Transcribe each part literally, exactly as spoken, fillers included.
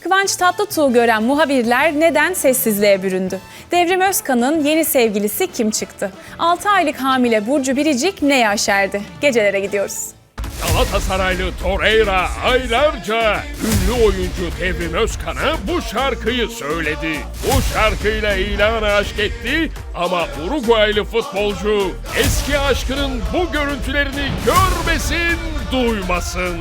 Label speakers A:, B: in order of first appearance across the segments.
A: Kıvanç Tatlıtuğ'u gören muhabirler neden sessizliğe büründü? Devrim Özkan'ın yeni sevgilisi kim çıktı? altı aylık hamile Burcu Biricik neye aşerdi? Gecelere gidiyoruz.
B: Galatasaraylı Torreira aylarca ünlü oyuncu Devrim Özkan'a bu şarkıyı söyledi. Bu şarkıyla ilan aşk etti ama Uruguaylı futbolcu eski aşkının bu görüntülerini görmesin, duymasın.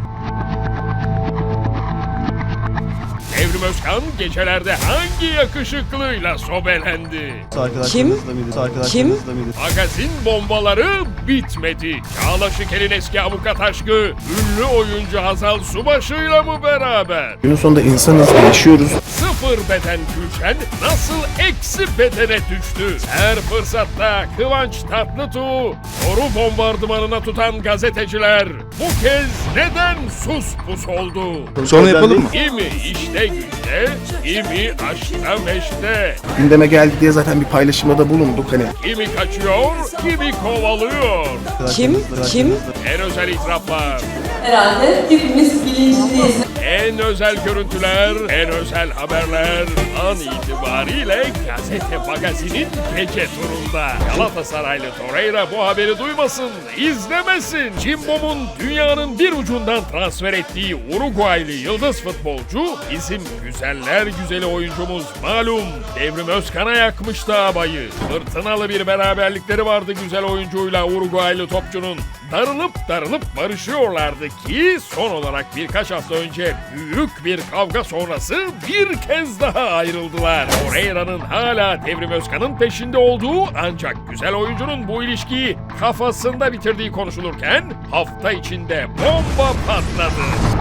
B: Devrim Özkan gecelerde hangi yakışıklıyla sobelendi?
C: Kim? Kim?
B: Magazin bombaları bitmedi. Çağla Şikel'in eski avukat aşkı ünlü oyuncu Hazal Subaşı'yla mı beraber?
C: Günün sonunda insanız, yaşıyoruz.
B: Sıfır beden Gülşen nasıl eksi bedene düştü? Her fırsatta Kıvanç Tatlıtuğ soru bombardımanına tutan gazeteciler bu kez neden sus pus oldu?
C: Sonra yapalım mı?
B: Kimi işte güçte, kimi aşkta meşte.
C: Gündeme geldi diye zaten bir paylaşımda bulunduk hani.
B: Kimi kaçıyor, kimi kovalıyor.
C: Kim? Kim?
B: En özel itiraflar,
D: Herhalde hepimiz bilinçliyiz.
B: en özel görüntüler, en özel haberler an itibariyle gazete magazinin gece turunda. Galatasaraylı Torreira bu haberi duymasın, izlemesin. Cimbom'un dünyanın bir ucundan transfer ettiği Uruguaylı yıldız futbolcu bizim güzeller güzeli oyuncumuz malum Devrim Özkan'a yakmıştı abayı. Fırtınalı bir beraberlikleri vardı güzel oyuncuyla Uruguaylı topçunun. Darılıp darılıp barışıyorlardı ki son olarak birkaç hafta önce büyük bir kavga sonrası bir kez daha ayrıldılar. Torreira'nın hala Devrim Özkan'ın peşinde olduğu ancak güzel oyuncunun bu ilişkiyi kafasında bitirdiği konuşulurken hafta içinde bomba patladı.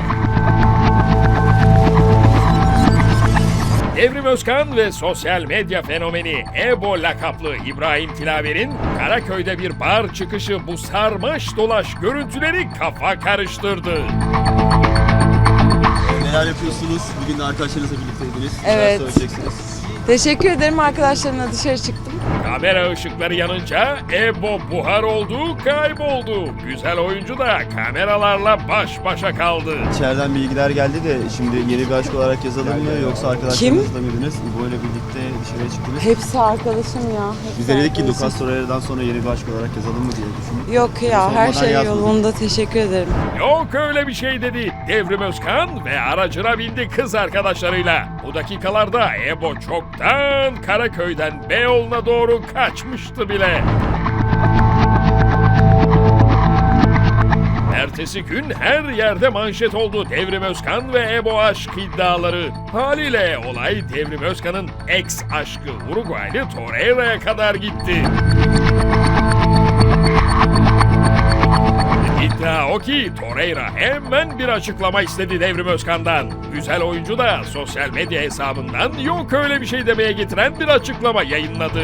B: Devrim Özkan ve sosyal medya fenomeni Ebo lakaplı İbrahim Tilaver'in Karaköy'de bir bar çıkışı bu sarmaş dolaş görüntüleri kafa karıştırdı.
E: Neler yapıyorsunuz? Bugün de arkadaşlarınızla birlikteydiniz.
F: Evet.
E: Neler söyleyeceksiniz?
F: Teşekkür ederim, arkadaşlarımla dışarı çıktım.
B: Kamera ışıkları yanınca Ebo buhar oldu, kayboldu. Güzel oyuncu da kameralarla baş başa kaldı.
E: İçeriden bilgiler geldi de şimdi yeni bir aşk olarak yazalım mı yoksa arkadaşlarınızla mıydınız? İbo ile birlikte dışarıya çıktınız.
F: Hepsi arkadaşım ya. Hepsi
E: Biz de dedik ki
F: arkadaşım.
E: Lucas Torreira'dan sonra yeni bir aşk olarak yazalım mı diye düşündük.
F: Yok ya, her
E: Sormadan
F: şey
E: yazmadım.
F: yolunda, teşekkür ederim.
B: Yok öyle bir şey dedi Devrim Özkan ve aracına bindi kız arkadaşlarıyla. Bu dakikalarda Ebo çoktan Karaköy'den Beyoğlu'na doğru kaçmıştı bile. Ertesi gün her yerde manşet oldu Devrim Özkan ve Ebo aşk iddiaları. Haliyle olay Devrim Özkan'ın ex aşkı Uruguaylı Torreira'ya kadar gitti. İddia o ki Torreira hemen bir açıklama istedi Devrim Özkan'dan. Güzel oyuncu da sosyal medya hesabından yok öyle bir şey demeye getiren bir açıklama yayınladı.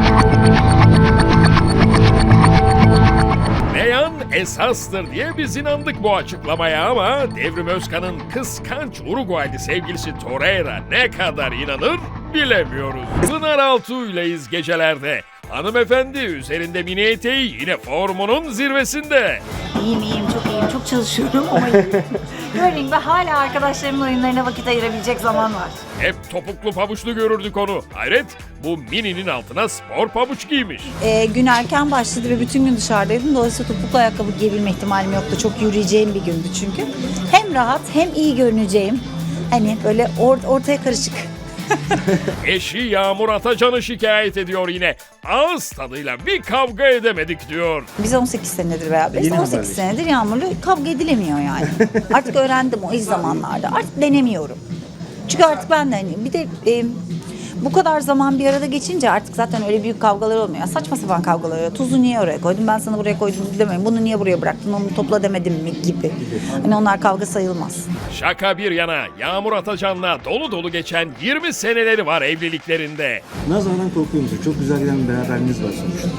B: Beyan esastır diye biz inandık bu açıklamaya ama Devrim Özkan'ın kıskanç Uruguaylı sevgilisi Torreira ne kadar inanır bilemiyoruz. Pınar Altuğ'yleyiz gecelerde. Hanımefendi üzerinde mini eteği yine formunun zirvesinde.
G: İyiyim iyiyim çok iyiyim çok çalışıyorum ama iyiyim. Görmeyin ve hala arkadaşlarımın oyunlarına vakit ayırabilecek zaman var.
B: Hep topuklu pabuçlu görürdük onu. Hayret bu mininin altına spor pabuç giymiş.
G: Ee, gün erken başladı ve bütün gün dışarıdaydım. Dolayısıyla topuklu ayakkabı giyebilme ihtimalim yoktu. Çok yürüyeceğim bir gündü çünkü. Hem rahat hem iyi görüneceğim. Hani böyle or- ortaya karışık.
B: Eşi Yağmur Atacan'ı şikayet ediyor yine. Ağız tadıyla bir kavga edemedik diyor.
G: Biz on sekiz senedir beraberiz.
E: Yeni
G: on sekiz
E: haberleş.
G: senedir Yağmur'la kavga edilemiyor yani. Artık öğrendim o ilk zamanlarda. Artık denemiyorum. Çünkü artık ben de hani bir de e, bu kadar zaman bir arada geçince artık zaten öyle büyük kavgalar olmuyor. Saçma sapan kavgalar oluyor. Tuzu niye oraya koydun? Ben sana buraya koydum demeyin. Bunu niye buraya bıraktın? Onu topla demedim mi gibi. Hani onlar kavga sayılmaz.
B: Şaka bir yana Yağmur Atacan'la dolu dolu geçen yirmi seneleri var evliliklerinde.
H: Nazardan korkuyor musun? Çok güzel giden bir beraberliğiniz var sonuçta.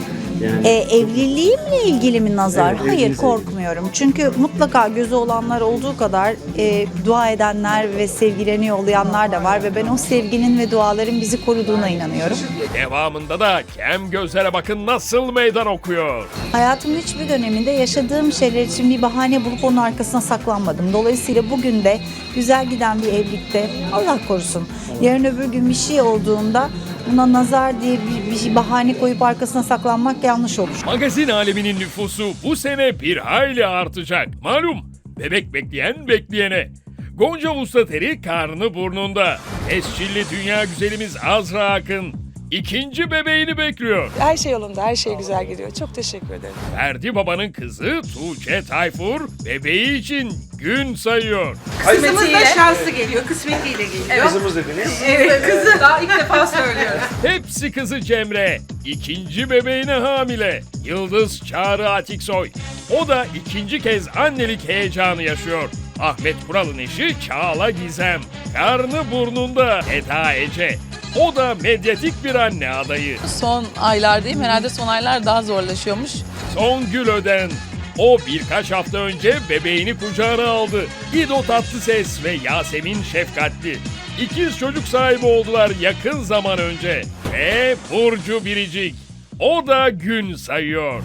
C: Yani
G: E, evliliğimle ilgili mi nazar?
C: Evet,
G: Hayır,
C: evliliğinizle
G: korkmuyorum. Çünkü mutlaka gözü olanlar olduğu kadar e, dua edenler ve sevgilerini yollayanlar da var ve ben o sevginin ve duaların bizi koruduğuna inanıyorum.
B: Devamında da kem gözlere bakın nasıl meydan okuyor.
G: Hayatımın hiçbir döneminde yaşadığım şeyler için bir bahane bulup onun arkasına saklanmadım. Dolayısıyla bugün de güzel giden bir evlilikte Allah korusun yarın öbür gün bir şey olduğunda buna nazar diye bir, bir bahane koyup arkasına saklanmak yanlış olur.
B: Magazin aleminin nüfusu bu sene bir hayli artacak. Malum bebek bekleyen bekleyene. Gonca Vustateri karnı burnunda. Tescilli dünya güzelimiz Azra Akın ikinci bebeğini bekliyor.
F: Her şey yolunda, her şey güzel gidiyor. Çok teşekkür ederim.
B: Ferdi Baba'nın kızı Tuğçe Tayfur bebeği için gün sayıyor.
D: Kızımız da şanslı geliyor, kısmetiyle geliyor.
C: kızımız dediniz.
D: Evet, kızı daha ilk defa söylüyoruz.
B: Hepsi kızı Cemre. İkinci bebeğine hamile. Yıldız Çağrı Atiksoy. O da ikinci kez annelik heyecanı yaşıyor. Ahmet Kural'ın eşi Çağla Gizem. Karnı burnunda Eda Ece. O da medyatik bir anne adayı.
H: Son aylardayım. Herhalde son aylar daha zorlaşıyormuş.
B: Songül Öden. O birkaç hafta önce bebeğini kucağına aldı. İdo Tatlıses ve Yasemin Şefkatli. İkiz çocuk sahibi oldular yakın zaman önce. Ve Burcu Biricik. O da gün sayıyor.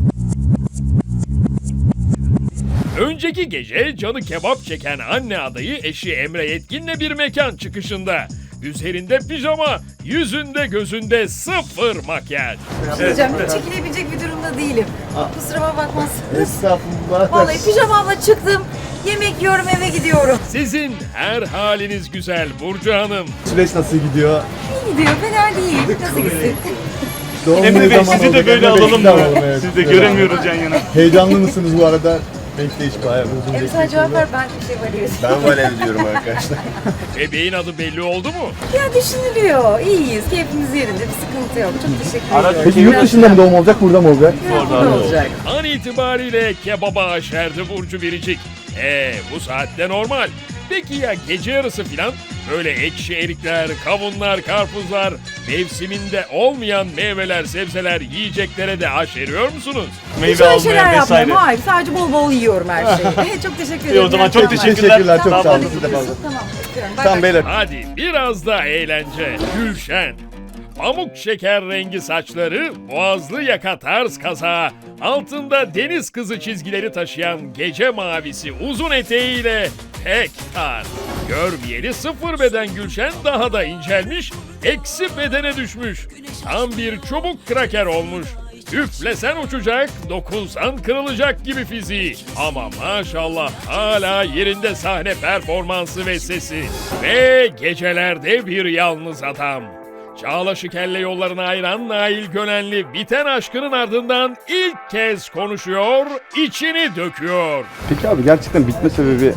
B: Önceki gece canı kebap çeken anne adayı eşi Emre Yetkin'le bir mekan çıkışında. Üzerinde pijama, yüzünde gözünde sıfır makyaj.
I: Hocam hiç çekilebilecek bir durumda değilim. Kusuruma bakmazsınız.
C: Estağfurullah.
I: Vallahi pijamamla çıktım, yemek yiyorum, eve gidiyorum.
B: Sizin her haliniz güzel Burcu Hanım.
C: Süreç nasıl gidiyor?
I: İyi gidiyor, fena değil. Nasıl gitsin?
C: Doğum
J: Emre Bey
C: ne zaman
J: sizi de
C: olacak?
J: böyle
C: Emre Bey,
J: alalım
C: tamam,
J: mı?
C: evet.
J: Sizi de göremiyoruz yan yana.
C: Heyecanlı mısınız bu arada? Bekleyiş bayağı uzun.
I: Hem sen cevap ver, ben bir şey varıyorsun.
C: Ben valev diyorum arkadaşlar.
B: Bebeğin adı belli oldu mu?
I: Ya düşünülüyor, iyiyiz, keyfimiz yerinde, bir sıkıntı yok. Çok teşekkür ederim.
C: Peki yurt dışında mı doğum olacak, burada mı olacak?
I: Burada olacak.
B: An itibariyle kebaba aşerdi Burcu Biricik. Ee bu saatte normal. Peki ya gece yarısı filan? Böyle ekşi erikler, kavunlar, karpuzlar, mevsiminde olmayan meyveler, sebzeler, yiyeceklere de aşeriyor musunuz?
I: Hiç
J: Meyve
I: öyle şeyler
J: almaya vesaire.
I: yapmıyorum, hayır. Sadece bol bol yiyorum her şeyi. Çok teşekkür ederim.
J: İyi, o zaman çok
I: İyi akşamlar.
J: teşekkürler.
C: Teşekkürler, çok
J: Daha
C: sağ olun.
J: fazlası da fazla.
I: Tamam, öpüyorum. Bay
C: Tamam
I: bay.
C: beyler.
B: Hadi biraz da eğlence. Gülşen. Pamuk şeker rengi saçları, boğazlı yaka tarz kazağı, altında deniz kızı çizgileri taşıyan gece mavisi uzun eteğiyle pek tarz. Görmeyeli sıfır beden Gülşen daha da incelmiş, eksi bedene düşmüş. Tam bir çubuk kraker olmuş. Üflesen uçacak, dokunsan kırılacak gibi fiziği. Ama maşallah hala yerinde sahne performansı ve sesi. Ve gecelerde bir yalnız adam. Çağla Şikel'le yollarını ayıran Nail Gönenli biten aşkının ardından ilk kez konuşuyor, içini döküyor.
E: Peki abi gerçekten bitme sebebi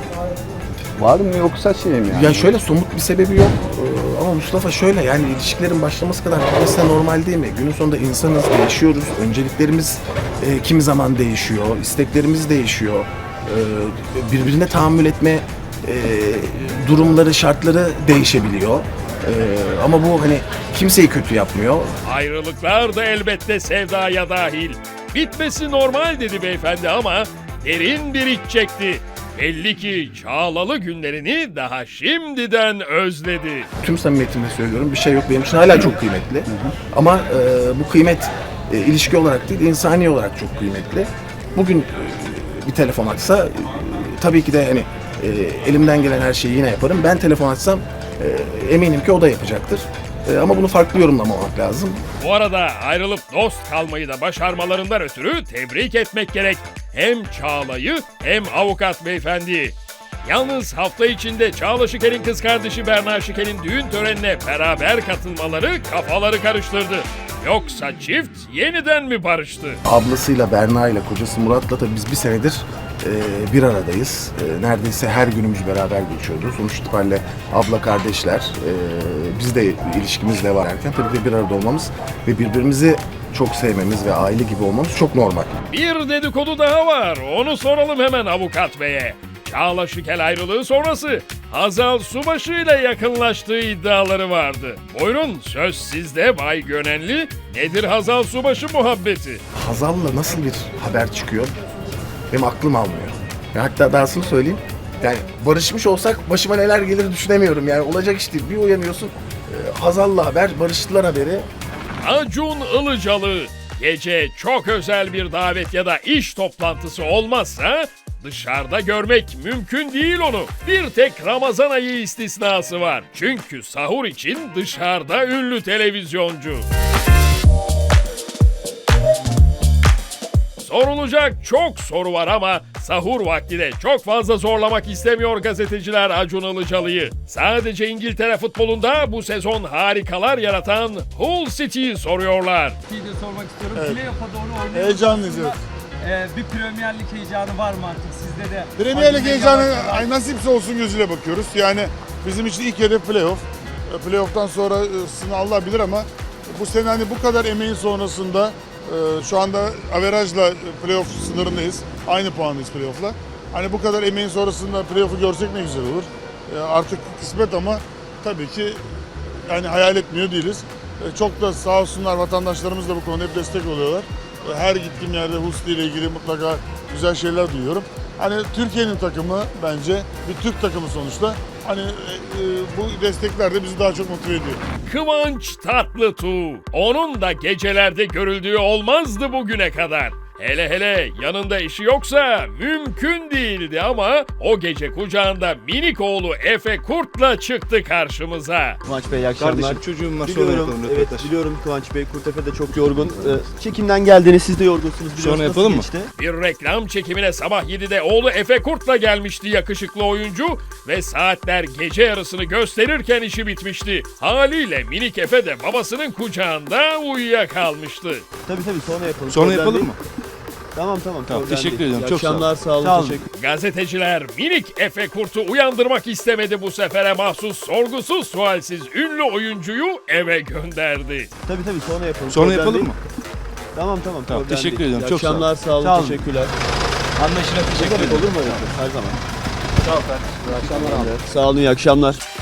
E: var mı yoksa şey mi yani?
C: Ya şöyle somut bir sebebi yok. Ee, Ama Mustafa şöyle, yani ilişkilerin başlaması kadar bitmesi de normal değil mi? Günün sonunda insanız, değişiyoruz. Önceliklerimiz e, kimi zaman değişiyor, isteklerimiz değişiyor. Ee, birbirine tahammül etme e, durumları, şartları değişebiliyor. Ee, ama bu hani kimseyi kötü yapmıyor.
B: Ayrılıklar da elbette sevdaya dahil. Bitmesi normal dedi beyefendi ama derin bir iç çekti. Belli ki Çağlalı günlerini daha şimdiden özledi.
C: Tüm samimiyetimle söylüyorum, bir şey yok, benim için hala çok kıymetli. Ama e, bu kıymet e, ilişki olarak değil, insani olarak çok kıymetli. Bugün e, bir telefon açsa e, tabii ki de hani e, elimden gelen her şeyi yine yaparım. Ben telefon açsam e, eminim ki o da yapacaktır. E, ama bunu farklı yorumlamamak lazım.
B: Bu arada ayrılıp dost kalmayı da başarmalarından ötürü tebrik etmek gerek. Hem Çağla'yı hem avukat beyefendi. Yalnız hafta içinde Çağla Şikel'in kız kardeşi Berna Şikel'in düğün törenine beraber katılmaları kafaları karıştırdı. Yoksa çift yeniden mi barıştı?
C: Ablasıyla, Berna ile, kocası Murat'la tabii biz bir senedir e, bir aradayız. E, neredeyse her günümüz beraber geçiyordu. Sonuç itibariyle abla kardeşler, e, biz de ilişkimiz devam ederken tabii de bir arada olmamız ve birbirimizi çok sevmemiz ve aile gibi olmamız çok normal.
B: Bir dedikodu daha var. Onu soralım hemen avukat beye. Çağla Şikel ayrılığı sonrası Hazal Subaşı ile yakınlaştığı iddiaları vardı. Buyurun söz sizde Bay Gönenli. Nedir Hazal Subaşı muhabbeti?
C: Hazal'la nasıl bir haber çıkıyor? Benim aklım almıyor. Ya hatta dahasını söyleyeyim. Yani barışmış olsak başıma neler gelir düşünemiyorum. Yani olacak iş değil. Bir uyanıyorsun e, Hazal'la haber, barıştılar haberi.
B: Acun Ilıcalı. Gece çok özel bir davet ya da iş toplantısı olmazsa dışarıda görmek mümkün değil onu. Bir tek Ramazan ayı istisnası var. Çünkü sahur için dışarıda ünlü televizyoncu. Sorulacak çok soru var ama sahur vakti de çok fazla zorlamak istemiyor gazeteciler Acun Ilıcalı'yı. Sadece İngiltere futbolunda bu sezon harikalar yaratan Hull City'yi soruyorlar.
J: Bir de sormak istiyorum. Playoff'a doğru oynuyoruz.
K: Heyecanlıyız, evet.
J: Ee, bir Premier Lig heyecanı var mı artık sizde de?
K: Premier Lig
J: Acun
K: heyecanı
J: Ilıcalı-
K: ay nasipse olsun gözüyle bakıyoruz. Yani bizim için ilk hedef playoff. E, Playoff'tan sonrasını Allah bilir ama bu sene hani bu kadar emeğin sonrasında e, şu anda averajla playoff sınırındayız. Aynı puandayız playoff'la. Hani bu kadar emeğin sonrasında playoff'u görsek ne güzel olur. E, Artık kısmet ama tabii ki yani hayal etmiyor değiliz. E, Çok da sağ olsunlar vatandaşlarımız da bu konuda hep destek oluyorlar. E, Her gittiğim yerde Husli ile ilgili mutlaka güzel şeyler duyuyorum. Hani Türkiye'nin takımı bence bir Türk takımı sonuçta. Hani e, e, bu destekler de bizi daha çok motive ediyor.
B: Kıvanç Tatlıtuğ. Onun da gecelerde görüldüğü olmazdı bugüne kadar. Hele hele yanında eşi yoksa mümkün değildi ama o gece kucağında minik oğlu Efe Kurt'la çıktı karşımıza.
E: Kıvanç Bey iyi akşamlar.
C: Kardeşim çocuğum var sonra
E: Biliyorum,
C: yapalım
E: evet
C: röportaj.
E: biliyorum Kıvanç Bey, Kurtepe de çok yorgun. Ee, çekimden geldiniz, siz de yorgunsunuz. Biliyoruz.
C: Sonra
E: Nasıl
C: yapalım mı?
E: geçti?
B: Bir reklam çekimine sabah yedide oğlu Efe Kurt'la gelmişti yakışıklı oyuncu ve saatler gece yarısını gösterirken işi bitmişti. Haliyle minik Efe de babasının kucağında uyuyakalmıştı.
E: Tabii tabii sonra yapalım.
C: Sonra
E: Problem
C: yapalım
E: değil.
C: mı?
E: Tamam tamam.
C: Tamam,
E: problem
C: teşekkür
E: değil.
C: ediyorum,
E: İyi
C: çok sağ olun.
E: akşamlar, sağ olun,
C: Sağ olun.
E: teşekkür.
B: Gazeteciler minik Efe Kurt'u uyandırmak istemedi bu sefere mahsus sorgusuz sualsiz ünlü oyuncuyu eve gönderdi.
E: Tabii tabii sonra yapalım.
C: Sonra
E: problem
C: yapalım
E: değil.
C: mı?
E: Tamam tamam.
C: Tamam,
E: problem
C: teşekkür
E: değil.
C: ediyorum,
E: İyi
C: çok sağ olun.
E: akşamlar, sağ olun,
C: Sağ olun.
E: teşekkürler.
J: Anlaşılan
E: Ne
J: teşekkür
E: demek
J: ederim.
E: olur mu öyle? Her zaman. Sağ olun. İyi akşamlar abi. Sağ olun, iyi akşamlar.